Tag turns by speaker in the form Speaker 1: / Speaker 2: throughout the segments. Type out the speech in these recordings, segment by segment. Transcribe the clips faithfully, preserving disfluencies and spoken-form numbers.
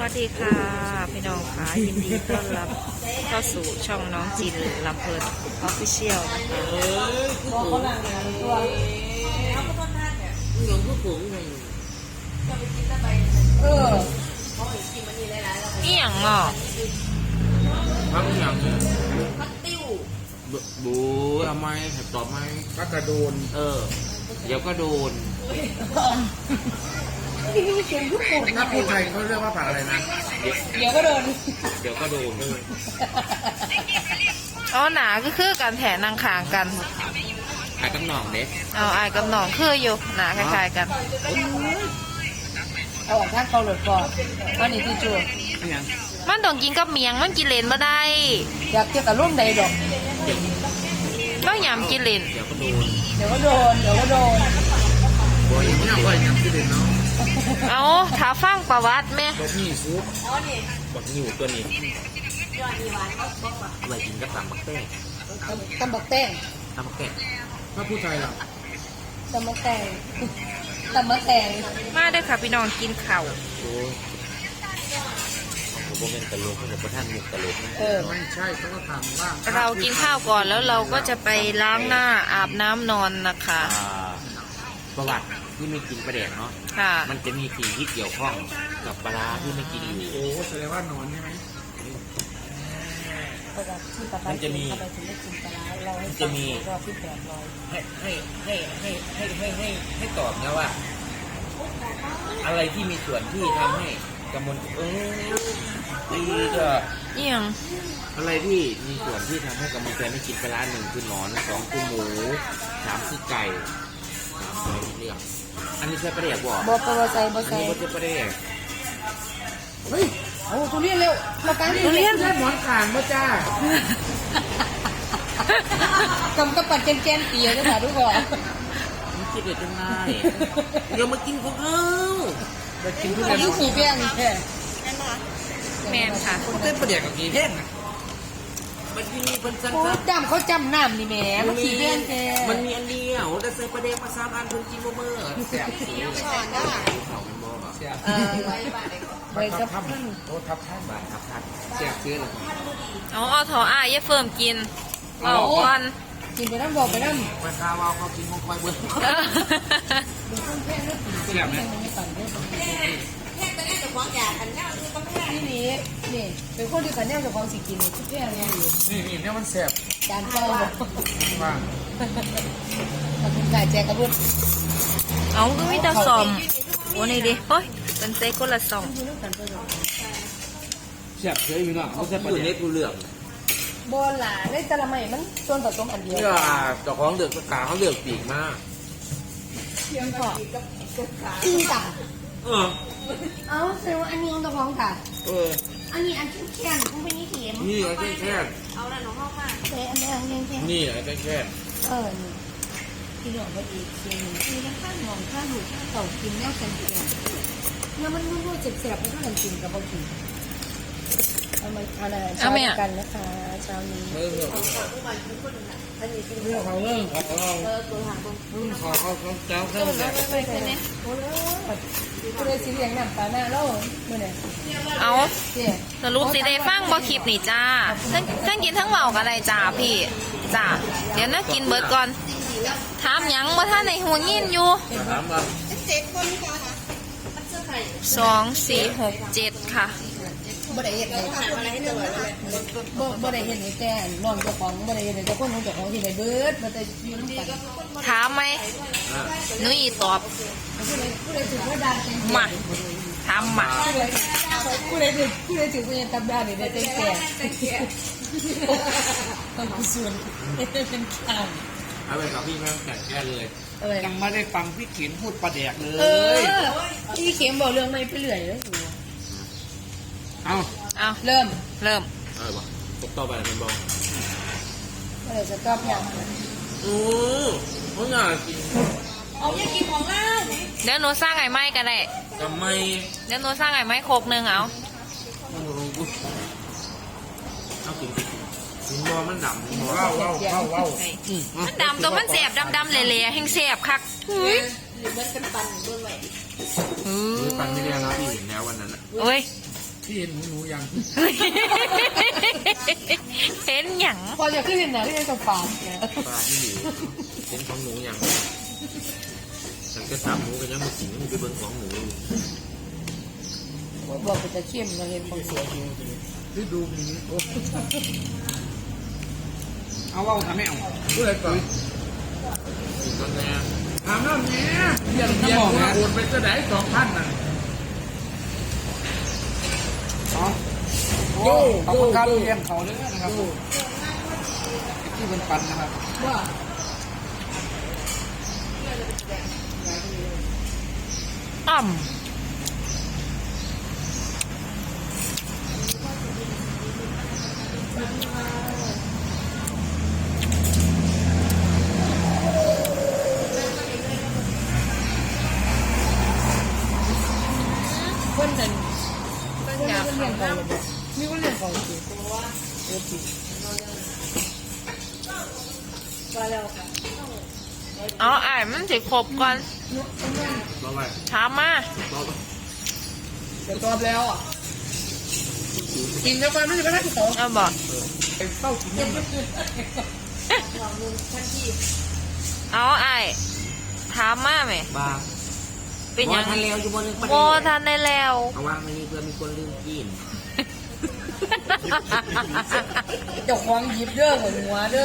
Speaker 1: วัสดีค่ะพี่น้องค่ะยินดีต้อนรับเข้าสู่ช่องน้องจินลำเพลินออฟฟิเชียลนะคะ
Speaker 2: ตัวเขาหลังตัวหลวงพ่อผมไงเออ
Speaker 1: นี่อย่างอ่ะ
Speaker 3: พักอย่างเนี่ย
Speaker 2: พัดติ้ว
Speaker 3: บูทำไมหัดตอบไหม
Speaker 4: ก็กระโดน
Speaker 3: เออ เดี๋ยวก็โดน
Speaker 2: ที่นี่เขียนทุกคน
Speaker 4: ถ้าพูดไทยเขาเรียกว่าผักอะไรนะ
Speaker 2: เดี๋ยวก็โดน
Speaker 3: เดี๋ยวก็โดน
Speaker 1: อ๋อหนาก็คือการแถนางขางกัน
Speaker 3: ขายกำหนองเด็ก
Speaker 1: เอาไอ้กับน้องคืออยู่หนาคล้ายๆกัน
Speaker 2: เอาออกทางเกาหลีก่อนวันนี้ที่จู
Speaker 1: มันต้องกินกับเมียงมันกินเลนมาได้
Speaker 2: อยากเกี่ยวกับร่มใดดอก
Speaker 1: ต้องยำกินเลน
Speaker 3: เดี๋ยวก็โดน
Speaker 2: เดี๋ยวก็โดนเดี๋ยวก็โดน
Speaker 4: บัวอย่างนี้ก็ยังที่เด่นเนาะ
Speaker 1: เอาถ้าฟังประวัติแม่
Speaker 4: บักนี่ซุป
Speaker 3: บักนิ่วตัวนี้อะไรกินก็ตำบักแต้ง
Speaker 2: ตำบักแต้ง
Speaker 3: ตำบักแต้ง
Speaker 4: ถ้าพูดไทยล่ะ
Speaker 2: ตำบักแตงตำบักแตง
Speaker 1: มาเด้อค่ะพี่น้องกินข้าว
Speaker 3: โอ้ผมเป็นตลกผมเป็นท่านมุกตลกนะ
Speaker 2: เออ
Speaker 4: ไม่ใช่เขาก็ถามว่า
Speaker 1: เรากินข้าวก่อนแล้วเราก็จะไปล้างหน้าอาบน้ำนอนนะคะ
Speaker 3: อ่าประวัติที่ไม่กินปลาแดกเนาะ
Speaker 1: ค่ะ
Speaker 3: มันจะมีสิ่งที่เกี่ยวข้องกับปลาร้าที่ไม่กินอยู่
Speaker 4: โอ้แสดงว่านอนใช่ไหม
Speaker 3: มันจะมี มันจะมี
Speaker 2: รอบที่แปดร้อย
Speaker 3: ให้ให้ให้ให้ให้ให้ให้ให้ตอบนะว่า อะไรที่มีส่วนที่ทำให้กำมลเออดีก็
Speaker 1: เอียง
Speaker 3: อะไรที่มีส่วนที่ทำให้กำมลใจไม่กินปลาร้าหนึ่งคือหนอนสองคือหมูสามคือไก่สามคือเรื่องอันนี้ใช่ปลาแดกบอก
Speaker 2: บอปวใจบอ
Speaker 3: อัน
Speaker 2: ใส่
Speaker 3: นี้ก็ใช่ปลาแดก
Speaker 4: เฮ้ย
Speaker 2: โอ้ตัวเรียนเร็วมาการ
Speaker 4: นี่เรียนแค่หมอนขางมาจ้าก
Speaker 2: ำกับปัดแกนๆเตียจะถามทุกคน
Speaker 3: มันคิดได้จังไงเดี๋ยวมากินของเขา
Speaker 4: ไปกินทุ
Speaker 2: ทุ
Speaker 4: เรียน
Speaker 2: กคนสีแป้งแค่
Speaker 1: แมนค่ะ
Speaker 4: เต้นประเดี๋ยวกับกี่เพ่ง
Speaker 3: มันมีเป็นสั้น
Speaker 2: โอ้จำเขาจำน้ำนี่แหม่มันสีแป้งแค่
Speaker 3: มันมีอันเดียวแต่ใส่ปลาแดกมาสามอันเพิ่งกินบ่เมื่อแซ่บสีเขาเป็นบ่แบบ
Speaker 2: เออใบกับ
Speaker 4: ทับท่านโอ้ทับท่าน
Speaker 3: บานครับท่าน
Speaker 4: แซ่บซื้อเลย
Speaker 1: เอาเอาถออ้ายอย่าเฟิ่มกินเอาก่อน
Speaker 2: กินไปน้ำบอกไปน้ำ
Speaker 3: มาคาวาวเขากินของคอยเบิ้ล
Speaker 2: เป็นคนแค่นั้น
Speaker 4: แซ่บไหม
Speaker 2: ไม่ต่างกันนี่นี่นี่เป็นคนที่ขันแนวจากของสิกินทุกแก่เลย
Speaker 4: นี่นี่เนี่ยมันแซ่บ
Speaker 2: จานเปล่า
Speaker 4: ว่าง
Speaker 2: ขอบคุณค่ะแจกกระบุน
Speaker 1: เอาก็มีแต่สอมโอ้นี่ดิเฮ้ยเป็นเซ็กคนละสอง
Speaker 4: แซ่บเฉยอยู่เนาะเขาแซ่บประ
Speaker 3: อยู่
Speaker 4: เดี๋
Speaker 3: ใน
Speaker 4: ยว
Speaker 3: กูเหลือง
Speaker 2: โบหลาในตะละไมมันส่วนผสมอันเดียว
Speaker 3: เนี่ยเจ้าของเดือกตาเขาเลือกปีกมาก
Speaker 2: จริงจ้ะ
Speaker 3: เออ
Speaker 2: เอาเซลอันนี้ของตัวของค่ะ
Speaker 3: เออ
Speaker 2: อันนี้อันแข็งๆคุณเป็นนี่เข็ม
Speaker 3: นี่ไอ้แค่แค่
Speaker 2: เซอันนี้อันแข็ง
Speaker 3: นี่ไอ้แค่แค่
Speaker 2: ๆเออนี่ที่หลอกไปอีกเชียงหนึ่งคือข้างมองข้างหูข้างเต่ากินแนวแข็งๆเนี่ยมันรู้ๆเจ็บๆมันก็เหมือนกินกับพวกกินเอามาเอาอะไรเช้ากันนะคะเช้านี้
Speaker 4: เออเรื่องของเรื่องของเรา
Speaker 2: เออตัวหางตรง
Speaker 4: เรื่องของเขาเขาเจ้าเขาแบบ
Speaker 2: ไปไปเนี่ยโอ้เลยก็เลยสีเหลืองหนังตาหน้าแล้วเมื่อไหร่
Speaker 1: เอา
Speaker 2: เจี๊ย
Speaker 1: สรุปสิได้ฟังบ่คลิปนี่จ้าทั้งทั้งกินทั้งเมากันเลยจ้าพี่จ้าเดี๋ยวนะกินเบิดก่อนถามหยังว่าท่านในหัวยินอยู่
Speaker 3: ถามว่า
Speaker 1: สองสี่หกเจ็ดค่ะ
Speaker 2: บ่ได้เห็นเลยบ่บ่ได้เห็นเลยแต่น้องเจ้าของบ่ได้เห็นเลยแต่คนของเจ้าของที่ไหนเบิดบ่ได้ยืนกัน
Speaker 1: ถามไหมหนุยตอบ
Speaker 2: ผู้ใดผู้ใดถือว่าดาเต็ม
Speaker 1: มาถามมา
Speaker 2: ผู้ใดถือผู้ใดถือผู้ใดตับดาเนี่ยได้เต็มแก่ต้องกุศลเป็นข่าว
Speaker 3: เอาไปกับพี่แม่แก่แก้เลย
Speaker 2: เอ้ย
Speaker 4: ยังไม่ได้ฟังพี่เขียนพูดประเดี๋ยวเล
Speaker 2: เอย อพี่เข็มบอกเรื่องไม่ไปเรื่อยแล้ว
Speaker 4: เอา
Speaker 1: เอา
Speaker 2: เริ่ม
Speaker 1: เริ่ม
Speaker 3: เออบอกตกต่อไปเป็นบอล
Speaker 2: เมื่อไหร่จะตอบอย่าง
Speaker 3: โอ้เขาอยากกิน
Speaker 2: เอาอย่ากินของเรา
Speaker 1: เดี๋ยวหนูสร้างไอ้ไม้กันได้
Speaker 3: ทำไม
Speaker 1: เดี๋ยวหนูสร้างไอ้ไม้โคกหนึ่งเอา
Speaker 3: เอากินกินบอลมันดำกินบอล
Speaker 4: ว้าวว้าวว้าวว้าว
Speaker 1: มันดำตัวมันแสบดำๆเละๆแห้งแสบคักเฮ้ย
Speaker 2: หรือมันเป็นปันด้วยไหม
Speaker 1: อื
Speaker 3: หรือ
Speaker 1: อ
Speaker 3: ปันไม่ได้แล้วพี่เห็นแล้ววันนั้นอะ
Speaker 1: เอ้ย
Speaker 4: ที่เห็นหนูหนูยัง
Speaker 1: เห็นหยัง
Speaker 2: พอจะขึ้นเนี่ยที่จะฝาดเนี่ย
Speaker 3: ปลาที่อยู่เป็นของหนูอย่างฉันก็สามหนูกันยังมาสิงมันคือเบิ้งของหนู
Speaker 2: บอกว่าจะเข้มเราเห็นของเสีย
Speaker 4: ที่ดูมีเอาว่าทำไม่เอาดูอะไรก่อน
Speaker 3: อีกคนแน่
Speaker 4: ถามแล้วเนี้ยเรียนเรียนว่าโอนไปจะได้สองพันน่ะโอ้ขอบคุณครับเรียนเขาเลยนะครับที่เป็นปันนะครับ
Speaker 2: ว่า
Speaker 1: อ่ำ
Speaker 2: คนหนึ่ง
Speaker 1: ต้น
Speaker 2: คน
Speaker 1: ยา
Speaker 2: เรียนเขามีคนเรียนเขาจริงเออจริงว่าแล้ว
Speaker 1: เอาอ่านมันสิครบก่อน
Speaker 3: รอไว้
Speaker 1: ถามมาร
Speaker 3: อไว้
Speaker 2: จะตอบแล้วอ่ะกินแล้วกันไม่ใช่ไม่ได้ที่สอง
Speaker 1: เอาบอก
Speaker 4: เป็นเต้าถึงยังไง
Speaker 1: เอาไอ้ายถามมาไหม
Speaker 3: บ้า
Speaker 1: เป็นหยัง
Speaker 3: ทันแล้วอยู่บนนึงประ
Speaker 1: โบ
Speaker 3: เด็น
Speaker 1: ทันได้แล้ว
Speaker 3: เอาวางไว้นี่เพื่อมีคนลืมกิน
Speaker 2: เจ้าของหยิบเด้อหัวเด้อ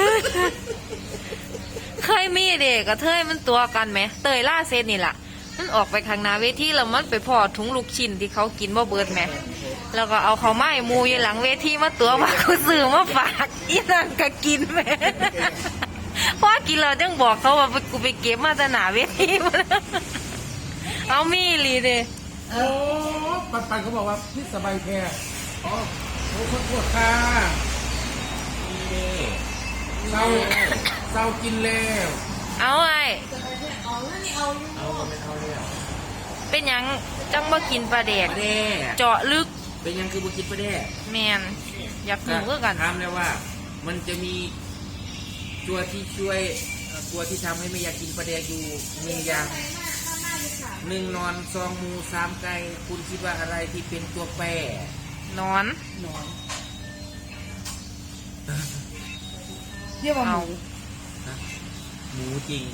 Speaker 1: เคยมีเด็กกับเทยมันตัวกันไหมเตยล่าเซนนี่แหละมันออกไปข้างหน้าเวทีแล้วมันไปพอถุงลูกชิ้นที่เขากินบ่เบิดไหมแล้วก็เอาเขาวไม้มูอยู่หลังเวทีมาตัวมาเขาซื้อมาฝากอีนั่นก็กินไหมเพราะว่ากินแล้วจังบอกเขาว่ากูไปเก็บมาแต่หนาเวทีมาเอามีอีหลีเด้
Speaker 4: โอ้ปันปันเขาบอกว่าพิษสบายแค่อ๋อโอ้ขอโทษค่ะ
Speaker 3: นี่
Speaker 4: เศร้าเศร้ากินแล้ว
Speaker 1: เอาไอ้
Speaker 3: เอาก็ไม่เอาแล้ว
Speaker 1: เป็นหยังจังบ่กินปลาแดก
Speaker 3: ประเด็น
Speaker 1: เจาะลึก
Speaker 3: เป็นยังคือบุกินประเด็น
Speaker 1: แมนอยากรู้คือกัน
Speaker 3: ถามแล้วว่า มันจะมีตัวที่ช่วยเอ่อตัวที่ทำให้ไม่อยากกินประเด็นอยู่หนึ่งอย่างหนึ่งนอนสองหมูสามไก่คุณคิดว่าอะไรที่เป็นตัวแปร
Speaker 1: นอน
Speaker 2: หนอนเรียกว่าหมู
Speaker 3: หมูจริง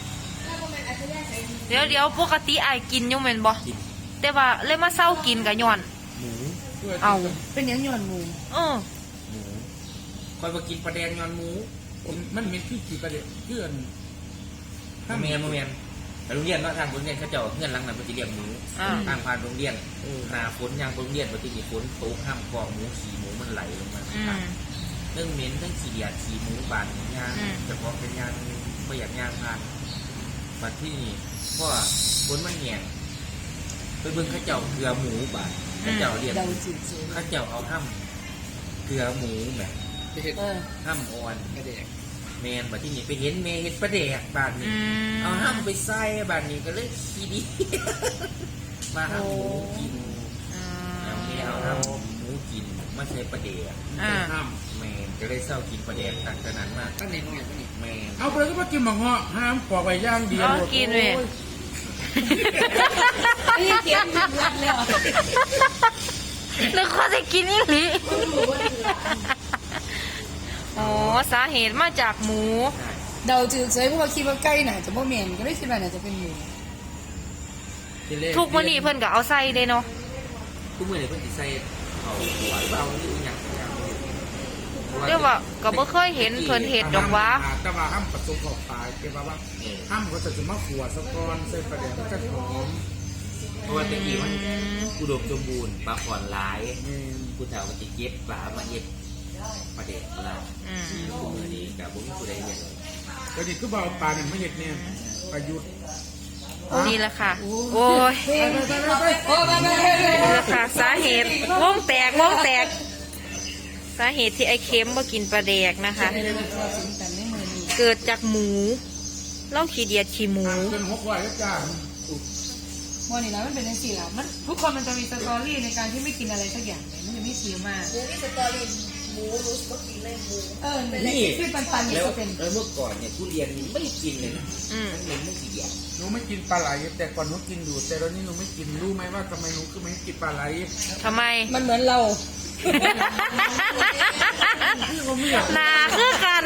Speaker 1: เดี๋ยวเดี๋ยวปกติไอ้ายกินอยู่แม่นบ่
Speaker 3: กิน
Speaker 1: แต่ว่าเลยมาเศร้ากินกับย้อน
Speaker 3: หมู
Speaker 1: เอา
Speaker 2: เป็นหยังย้อนหมู
Speaker 1: เออ
Speaker 3: หมูคอยมากินประเด็นยอนหมู
Speaker 4: มันมีที่กี่ประเด็นเพื่อน
Speaker 3: โมเมนโมเมนไปโรงเรียนเนาะทางโรงเรียนเขาเจ้าเงื่อนหลังนั้นปฏิเรียกหมู
Speaker 1: อ่า
Speaker 3: ทางผ่านโรงเรียนหนาฝนยางโรงเรียนปฏิมีฝนตกห้ามกองหมูขี่หมูมันไหลลงมา
Speaker 1: อืม
Speaker 3: เรื่องเหม็นเรื่องขี้เดียดขี้หมูบานยาง
Speaker 1: อืม
Speaker 3: เฉพาะเป็นยางประหยัดยางผ่านบัดที่นี่เพราะว่าฝนมันแหงไปเบิ่งเข้าเจ้าเกลือหมูบานเข้าเจ้าเรียก
Speaker 2: เดาจืด
Speaker 3: เข้าเจ้าเอาห้ามเกลือหมูแบบ
Speaker 4: เห็ด
Speaker 2: ๆเออ
Speaker 3: ห้ามอ่อน
Speaker 4: ประเด็น
Speaker 3: แมนบัดที่นี่ไปเห็นเมเห็นประเดกบานนี้
Speaker 1: อืม
Speaker 3: เอาห้ามไปใส่บานนี้ก็เลยขี้ดี มาห้ามหมูกิน
Speaker 1: อื
Speaker 3: เอา
Speaker 1: ม
Speaker 3: ไม่เอาห้ามหมูกินไม่ใช่ประเดก
Speaker 1: อ่า
Speaker 4: ห้าม
Speaker 3: แมนก็เลยเศร้ากินประเดกต่างจากนั้นมาก
Speaker 4: ตั้งแต่น้อยตั้งแต่
Speaker 3: แมน
Speaker 4: เอาไปแล้วก็มากินหมังเหาะห้ามปอกไว้ย่างเดียว
Speaker 1: เอากินเว้ย
Speaker 2: นี่เก็บรักแล้ว
Speaker 1: แล้วเขาจะกินอีหลีอ๋อสาเหตุมาจากหมู
Speaker 2: เดาจืดเฉยเพราะว่าคิดว่าใกล้น่ะจะบ่แม่นก็เลยคิดว่าน่าจะเป็นหมู
Speaker 1: ทุกมื้อนี้เพิ่นก็เอาใส่เด้เนาะ
Speaker 3: ทุกมื้อเนี่ยเพิ่นสิใส่เอาหัวเอาหรืออหย่างอย่าง
Speaker 1: เรียกว่าก็บ่เคยเห็นเพิ่นเฮ็ดดอกหว่า
Speaker 4: แต่ว่าห้ามผสมเข้าไปเกี่ยวกับว่า
Speaker 3: เออ
Speaker 4: ห้ามก็จะมาขวดสะกอนใส่ประเด็นมันจะหอม
Speaker 3: เพราะว่าตะกี้มัน
Speaker 1: อืม
Speaker 3: อุดมสมบูรณ์ปลาอ่อนหลาย
Speaker 4: แม่น
Speaker 3: ผู้เฒ่ามันจะเก็บปลามาเฮ็ดประเดกปลา
Speaker 1: อืม
Speaker 3: ทุกมื้อนี้ก็บ่มีผู้ใดเฮ็ด
Speaker 4: ก็นี่คือบ่เอาปลาเนี่ยไม่เห็ดเนี่ยประยุทธ์
Speaker 1: นี่แหละค่ะ โอ้ย
Speaker 2: โอ้ไปไปไป
Speaker 1: นี่แหละค่ะ สาเหตุวงแตกวงแตก สาเหตุที่ไอ้เค็มบ่กินปลาแดกนะคะ เกิดจากหมูเล่าขี้เดียดขี้หมู
Speaker 4: เป็นหกร้อยก็จ้า
Speaker 2: วันนี้นะมันเป็นจังซี่ล่ะมันทุกคนมันจะมีสตอรี่ในการที่ไม่กินอะไรสักอย่างมันจะไม่คิวมาก
Speaker 1: อ
Speaker 2: หมูรู้สึกกินเลยหมูเออนี่คือปันปันนี่
Speaker 3: แล้ว
Speaker 2: ก็เป็น
Speaker 3: แล้วเมื่อก่อนเนี่ยทุเรียนนี่ไม่กินเลยนะ
Speaker 1: อืม
Speaker 3: มันเหม็นไม่กี่อย่าง
Speaker 4: หนูไม่กินปลาไหลแต่ก่อนหนูกินอยู่ แต่ตอนนี้หนูไม่กินรู้ไหมว่าทำไมหนูคือไม่กินปลาไหล
Speaker 1: ทำไม
Speaker 2: มันเหมือนเรา
Speaker 4: พี่ก็ไม่อยาก
Speaker 1: นาคือกัน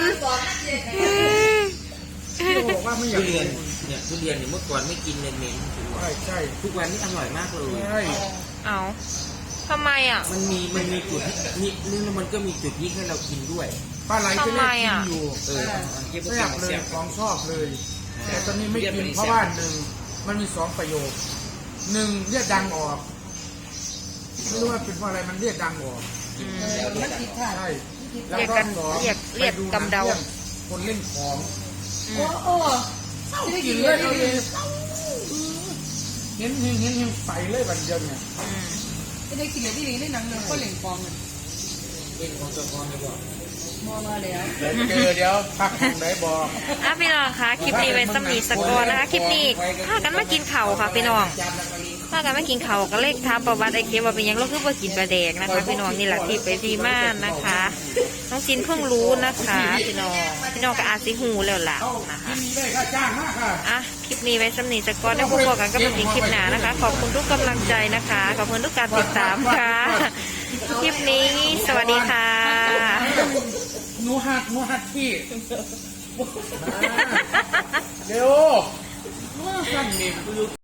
Speaker 4: พี่ก็บอกว่าไม่อยา
Speaker 3: ทุ
Speaker 4: ก
Speaker 3: เรียนเนี่ยทุเรียนเนี่ยเมื่อก่อนไม่กินเลยเหม็น
Speaker 4: ใช่ใช่
Speaker 3: ทุกวันนี้อร่อยมากเลย
Speaker 4: ใช่
Speaker 1: เอาทำไมอ่ะ
Speaker 3: มันมีมันมีจุดนี่นี่แล้วมันก็มีจุดที่ให้เรากินด้วย
Speaker 4: ปลาไหลจะเล่นกินอยู่
Speaker 3: เออเก็บ
Speaker 4: แซ่บเลยของชอบเลย แต่ตอนนี้ไม่กินเพราะว่าหนึ่งมันมีสองประโยคหนึ่งเรียกดังออกไม่รู้ว่าเป็นเพราะอะไรมันเรียกดังออก
Speaker 1: อืม
Speaker 2: มันผิดค่ะ
Speaker 4: ใช่
Speaker 1: เรียกกันเรียกเรียกกำเดา
Speaker 4: คนเล่นของ
Speaker 1: อื
Speaker 2: โอ้
Speaker 1: ม
Speaker 2: โอ้ไม่ได้กิ
Speaker 4: กิ
Speaker 2: น
Speaker 4: น
Speaker 2: เล
Speaker 4: เลย ย
Speaker 2: เอา
Speaker 4: เอา
Speaker 2: เล
Speaker 4: เลย ยเห็นเห็นเห็นเห็นใส่เลยบันเดียวเนี่ย
Speaker 1: อืม
Speaker 2: ไม่ได้กินเลยที่นี่ในหนังเรื่องก็เหล่งฟองเลย
Speaker 3: เล่นของตัวกรไม่บอก
Speaker 2: มอมาแล้ว
Speaker 4: เดี๋ยวเจอเดี๋ยวพักของไหนบอก
Speaker 1: อ่ะพี่น้องคะคลิปนี้เป็นสำนีสกอร์นะคะคลิปนี้พากันมากินเข่าวค่ะพี่น้อง
Speaker 3: จำแล้วก็ลิ้น
Speaker 1: พากันมากินเข่าวก็เลขท้ามประวัติไอเคว่าเป็นหยังเราคือว่ากินปลาแดกนะคะพี่น้องนี่แหละที่ไปที่ม่านนะคะน้องจินเพิ่งรู้นะคะพี่น้องพี่น้องก็อาจสิหูแล้วล่ะนะคะ
Speaker 4: ที่มีได้ค่าจ้างมากค่ะ
Speaker 1: อ่ะคลิปนี้ไว้สำนีสกอร์ได้พบกันก็เป็นคลิปหนานะคะ ขอบคุณทุกกำลังใจนะคะขอบคุณทุกการติดตามค่ะคลิปนี้สวัสดีค่ะ
Speaker 4: หนูหักหนูหักที่เร็วสั่นเมม